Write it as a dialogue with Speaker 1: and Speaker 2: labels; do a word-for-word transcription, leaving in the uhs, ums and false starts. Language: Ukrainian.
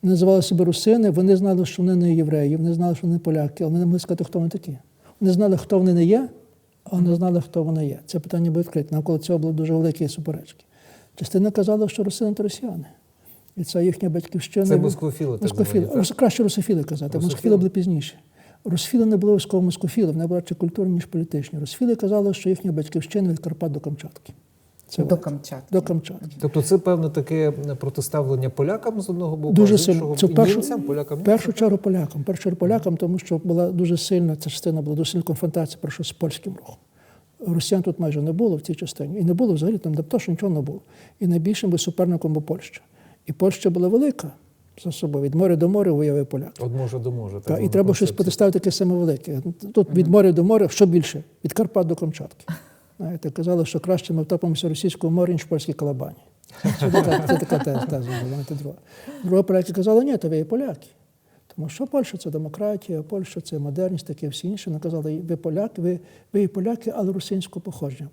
Speaker 1: Вони називали себе русини, вони знали, що вони не євреї, вони знали, що вони поляки, але вони не могли сказати, хто вони такі. Вони знали, хто вони не є, але не знали, хто вони є. Це питання було відкрите. Навколо цього були дуже великі суперечки. Частина казала, що русини – то росіяни. І це їхня батьківщина.
Speaker 2: Це москофіли, так
Speaker 1: Москофіли.
Speaker 2: звані, так?
Speaker 1: Краще русофіли казати. Москофіли були пізніше. Русофіли не були військово москофіли, вони були радше культурні, ніж політичні. Русофіли казали, що їхня батьківщина від Карпат до Камчатки. Це
Speaker 3: До
Speaker 1: от.
Speaker 3: Камчатки.
Speaker 1: До Камчатки.
Speaker 2: Тобто це, певне, таке протиставлення полякам з одного боку,
Speaker 1: Дуже
Speaker 2: а з
Speaker 1: сильно.
Speaker 2: іншого
Speaker 1: Це в першу,
Speaker 2: німцям, полякам,
Speaker 1: в першу
Speaker 2: німцям?
Speaker 1: чергу полякам. В першу чергу полякам, тому що була дуже сильна, ця частина була дуже сильна конфронтація першу з польським рухом. Росіян тут майже не було в цій частині. І не було взагалі, там то, що нічого не було. І найбільшим би суперником була Польща. І Польща була велика за собою. Від моря до моря виявив поляк.
Speaker 2: От може до може.
Speaker 1: Та, і треба щось протиставити таке саме велике. Тут від моря до моря, що більше? Від Карпат до Камчатки. Знаєте, казали, що краще ми втопимося в російському морі, ніж в польській Калабані. Це така, це така теза, теза була. Друга. Друга поляки казали, ні, то ви є поляки. Тому що Польща – це демократія, Польща – це модерність, таке всі інші. Вони казали, ви поляки, ви, ви є поляки, але русинського походження.